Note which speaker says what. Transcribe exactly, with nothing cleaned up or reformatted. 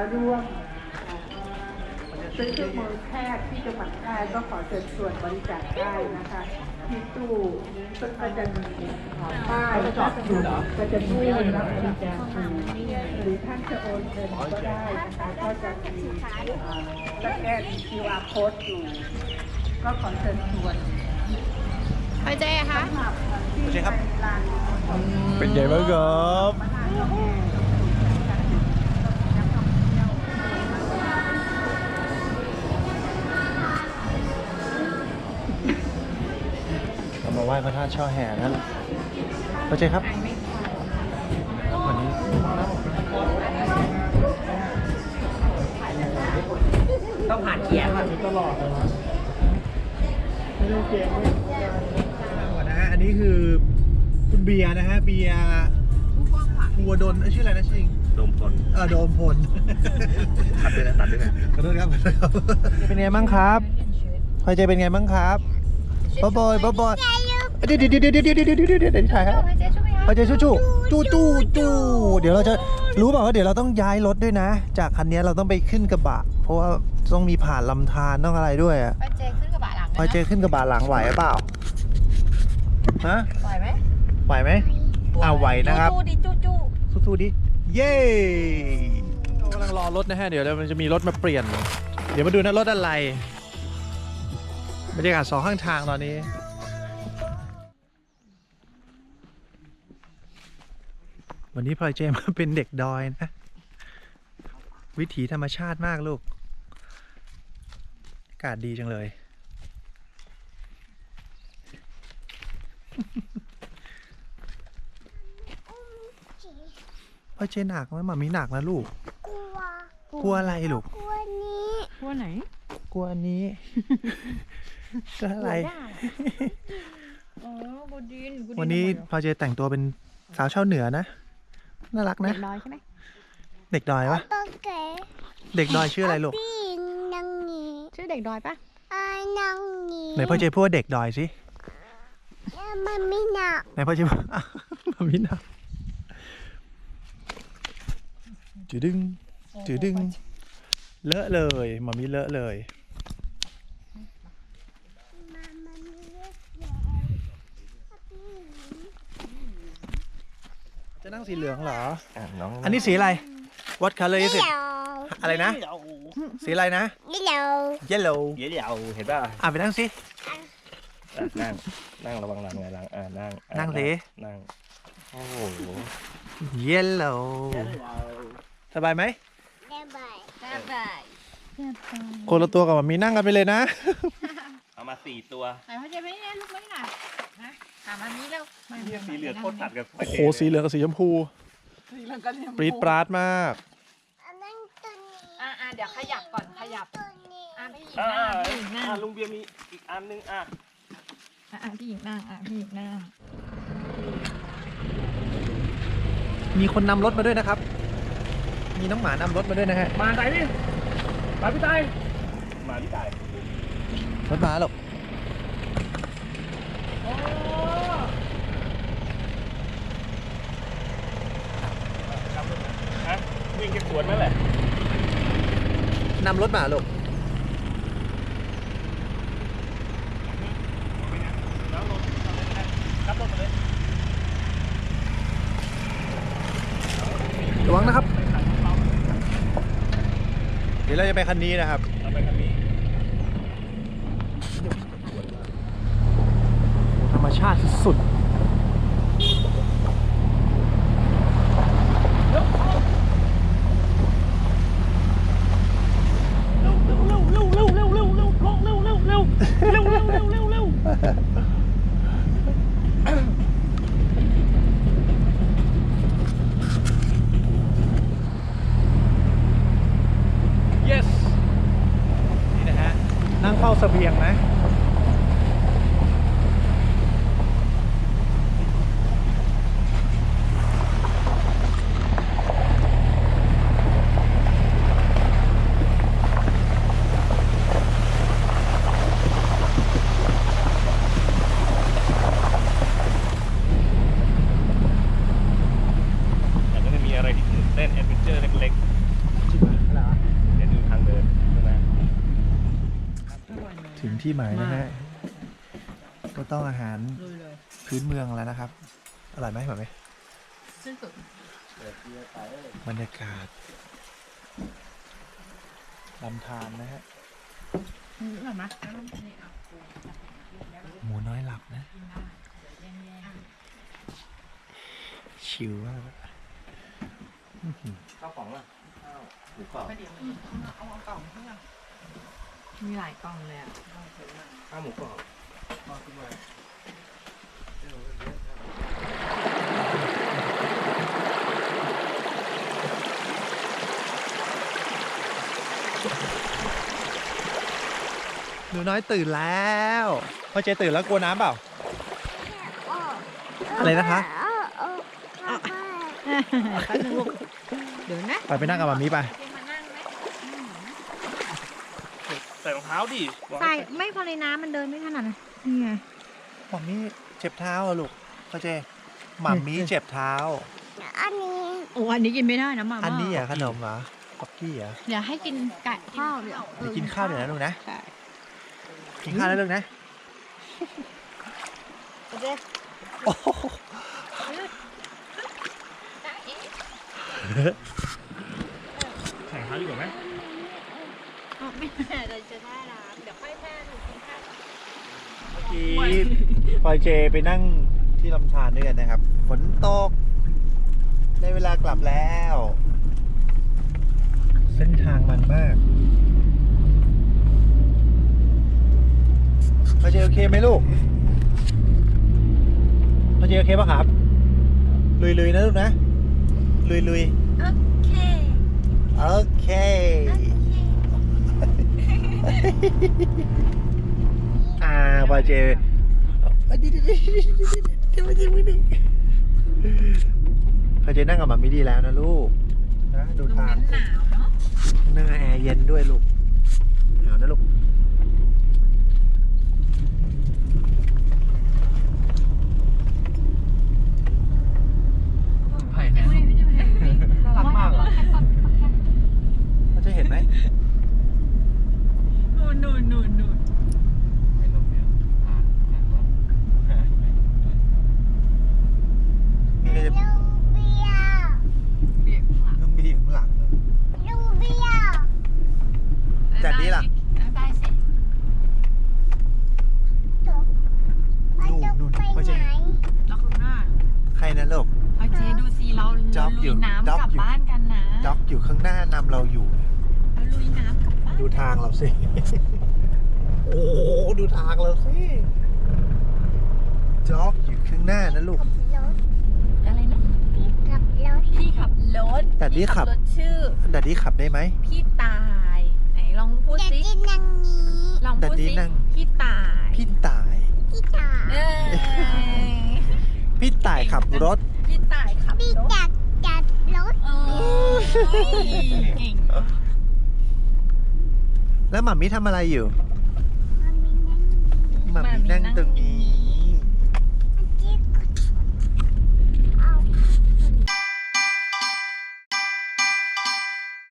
Speaker 1: ร่วมซื้อเครื่องมือแพทย์ที่จังหวัดแพร่ก็ขอเชิญชวนบริจาคได้นะคะที่ตู้ซึ่งก็จะมีป้ายจอดอยู่ก็จะตู้รับบริจาคหรือท่านจะโอนเงินก็ได้นะคะก็จะมีสแกน คิว อาร์ Code อยู่ก็ขอเชิญชวน
Speaker 2: ไปเจ๊คะ
Speaker 1: ไปเจ๊ครับ
Speaker 3: เป็นไงบ้างครับเรามาไหว้พระธาตุช่อแห่นั้นไปเจ๊ครับวันนี้
Speaker 2: ต้องผ่านเกียร์แบบนี้ตลอดเลยนะ
Speaker 3: ไม่ได้เกมเลยก่อนนะฮะอันนี้คือคุณเบียร์นะฮะเบียร์หัวดนชื่ออะไรนะชื่อ
Speaker 4: โดมพล
Speaker 3: เออโดมพล
Speaker 4: ตัดด้วยนะตัดด้วยนะ
Speaker 3: ขอโทษครับขอโทษครับเป็นไงบ้างครับพอใจเป็นไงบ้างครับบ๊อบอยบ๊อบอยเดี๋ยวเดี๋ยวเดี๋ยวเดี๋ยวเดี๋ยวเดี๋ยวเดี๋ยวเดี๋ยวเดี๋ยวถ่ายครับพอใจชู้ชู้จู้จู้จู้เดี๋ยวเราจะรู้เปล่าว่าเดี๋ยวเราต้องย้ายรถด้วยนะจากคันนี้เราต้องไปขึ้นกระบะเพราะว่าต้องมีผ่านลำธารต้องอะไรด้วยอ่ะ
Speaker 2: พอใจขึ้นกระบะหลัง
Speaker 3: พอใจขึ้นกระบะหลังไหวหรือเปล่าฮะ
Speaker 2: ไหวไหม
Speaker 3: ไหวไหมอ่าไหวนะครับ
Speaker 2: จู้ดิจู้จู้
Speaker 3: สู้ๆดิเย้กำลังรอรถนะฮะเดี๋ยวมันจะมีรถมาเปลี่ยนเดี๋ยวมาดูนะรถอะไรบรรยากาศสองข้างทางตอนนี้วันนี้พลอยเจมาเป็นเด็กดอยนะวิถีธรรมชาติมากลูกอากาศดีจังเลยพลอยเจหนักไหมหมามีหนักนะลูก
Speaker 5: กลัว
Speaker 3: กลัวอะไรลูก
Speaker 5: กลัวนี้
Speaker 2: กลัวไหน
Speaker 3: กลัวอันนี้ก็อะไรวันนี้พลอยเจแต่งตัวเป็นสาวชาวเหนือนะน่ารักนะ
Speaker 2: เด็กดอยใช่ไหม
Speaker 3: เด็กดอยวะเด็กดอยชื่ออะไรลูก
Speaker 2: ชื่อเด็กดอยปะ
Speaker 3: ไหนพ่อเจพูดว่าเด็กดอยสิ
Speaker 5: มันไม่หนัก
Speaker 3: ไหนพ่อเจพูดมันไม่หนักจืดดึงจืดดึงเลอะเลยมามีเลอะเลยจะนั่งสีเหลืองเหรออันนี้สีอะไร What color is it อะไรนะสีอะไรนะ
Speaker 5: Yellow
Speaker 3: Yellow
Speaker 4: เดี๋ยวเดี๋ยวเห็นป่ะ
Speaker 3: อ่ะไปนั่งสิ
Speaker 4: นั่งนั่งระวังหลังไงหลังอ่านั่ง
Speaker 3: นั่งสิ
Speaker 4: นั่งโอ้โห
Speaker 3: Yellow สบายไหม
Speaker 5: สบายสบาย
Speaker 3: คนละตัวกับมีนั่งกันไปเลยนะ
Speaker 4: เอามาสี่ตัว
Speaker 2: ไหนพ่อเจไม่ได้ลูกไม่หน่ะนะถามอันนี้แล้ว
Speaker 4: สีเหลืองโคตรตัดกับ
Speaker 3: โอ้โหสีเหลืองกับสีชมพูปรี๊ดปราดมาก
Speaker 2: อ่าเดี๋ยวขยับก่อนขยับอ่าพี่หญิง
Speaker 4: อ่า
Speaker 2: นั่ง
Speaker 4: อ่าลุงเบียร์มีอีกอันนึงอ่ะ
Speaker 2: อ่าพี่หญิงนั่งอ่าพี่หญิงนั่ง
Speaker 3: มีคนนำรถมาด้วยนะครับมีน้องหมานำรถมาด้วยนะฮะ
Speaker 4: มาไต่ดิมาพี่ไต่มาพี่ไต่
Speaker 3: รถมาหรอก
Speaker 4: วิ่งแค่สวนนั่นแหละ
Speaker 3: นำรถมาลูกระวังนะครับเดี๋ยวเราจะไปคันนี้นะครับ
Speaker 4: เราไปคันนี้
Speaker 3: ธรรมชาติสุดyes นี่นะฮะนั่งเฝ้าเสบียงนะ
Speaker 4: แต่ก็จะมีอะไรที่ตื่นเต้นแอดเวนเจอร์เล็กๆ
Speaker 3: ที่หมายนะฮะก็ต้องอาหารพื้นเมืองแล้วนะครับอร่อยไหมแบบไหม
Speaker 2: สิ้นสุด
Speaker 3: บรรยากาศลำธารนะฮะ
Speaker 2: อืมอร่อยไหม
Speaker 3: หมูน้อยหลับนะ ชิวมาก
Speaker 4: ข้าวของล่ะข้าวหมูกรอบ
Speaker 2: เอากล่องเพื่อมีหลายกล่องเลยอ่ะ
Speaker 4: ข้าวหมูกรอบ
Speaker 3: หนูน้อยตื่นแล้วพ่อเจตื่นแล้วกลัวน้ำเปล่า อะไรนะคะ
Speaker 2: เดี๋ยวนะ
Speaker 3: ไปไปนั่งกับมามีไป
Speaker 2: มานั่งไหม
Speaker 4: ใส่รองเท้าดิ
Speaker 2: ใส่ไม่พอในน้ำมันเดินไม่ขนาดนั้นนี่ไง
Speaker 3: หม่ามีเจ็บเท้าเหรอลูกพ่อเจหม่ามีเจ็บเท้า
Speaker 5: อันนี้
Speaker 2: โอ้อันนี้กินไม่ได้นะมาม่า
Speaker 3: อันนี้เหรอขนมเหรอป๊อกกี้เหรอ
Speaker 2: เดี๋ยวให้กินไก่ข้าวเดี๋ยว
Speaker 3: เดี๋ยวกินข้าวเดี๋ยวนะลูกนะ
Speaker 2: ใช่
Speaker 3: กินข้าวแล้วลูกนะ
Speaker 5: โอเค
Speaker 3: โอ้โห
Speaker 4: ใส่รองเท้าดีกว่าไหม
Speaker 2: อ๋อไม่แม่เราจะได้ละเดี๋ยวค่อยแพ้หนูกินข้าว
Speaker 3: เมื่อกี้พลอยเจไปนั่งที่ลำธารด้วยกันนะครับ ฝนตก ได้เวลากลับแล้ว เส้นทางมันมากพลอยเจโอเคไหมลูกพลอยเจโอเคป่ะครับ ลุยๆนะลูกนะ ลุยๆ
Speaker 2: โอเค
Speaker 3: โอเค อ่าพอเจพอเจนั่งกับมัมมี่ดีแล้วนะลูก นะดู
Speaker 2: ตรง
Speaker 3: ทาง
Speaker 2: นั้นหนาวเนาะ
Speaker 3: นั่งแอร์เย็นด้วยลูกหนาวนะลูก
Speaker 4: ไผ่เนี่ยน่ารักมากอ่ะ
Speaker 3: เขาจะเห็นไหม
Speaker 2: นูนนูนนูนนูน
Speaker 4: ไม่ลงเนี่ยอ่า
Speaker 3: นี่ก็จะ
Speaker 5: ลูเบีย
Speaker 2: เบี่ยงข้างหลัง
Speaker 3: นุ่งบีอยู่ข้างหลัง
Speaker 5: ลูเบีย
Speaker 3: แต่นี่ล่ะ
Speaker 2: บายสิ
Speaker 3: นู่นนู่น
Speaker 5: ไป
Speaker 3: พ่อเจ
Speaker 5: ไหน
Speaker 2: แล้วข้างหน้า
Speaker 3: ใครนะลูก
Speaker 2: เอาเจดูสิเรา
Speaker 3: จ๊อบ
Speaker 2: ลุ
Speaker 3: อยู่
Speaker 2: ยน้ำ
Speaker 3: จ๊อบ
Speaker 2: กลับ
Speaker 3: อยู่
Speaker 2: บ้านกันนะ
Speaker 3: ด็อกอยู่ข้างหน้านำเราอยู่
Speaker 2: เราลุยน้ำกลับบ้าน
Speaker 3: ดูทางเราสิ โอ้โหดูทางเราสิจ็อกอยู่ข้างหน้านะลูก
Speaker 5: ขับรถ
Speaker 2: อะไรนะ
Speaker 5: พี่ขับรถ
Speaker 2: พี่ขับรถ
Speaker 3: แต่นี่ขับ
Speaker 2: พี่รถชื่อ
Speaker 3: ดัดดี้ขับได้ไหม
Speaker 2: พี่ตายไหนลองพูด
Speaker 5: อยาก
Speaker 2: สิ
Speaker 5: กินนังนี้
Speaker 2: ลองพูด
Speaker 3: แต่นี่
Speaker 2: สิ
Speaker 3: นั่ง
Speaker 2: พี่ตาย
Speaker 3: พี่ตาย
Speaker 5: พี่ตา
Speaker 2: เอ้ย
Speaker 3: พี่ตายขับรถ
Speaker 2: พี่ตายขับ
Speaker 5: พี่
Speaker 2: รถ
Speaker 5: จักจัดรถ
Speaker 2: เออเก่ง
Speaker 3: แล้วหม่ามิทำอะไรอยู่
Speaker 5: มันมีนั่ง
Speaker 3: หม่ามินั่งตรงนี้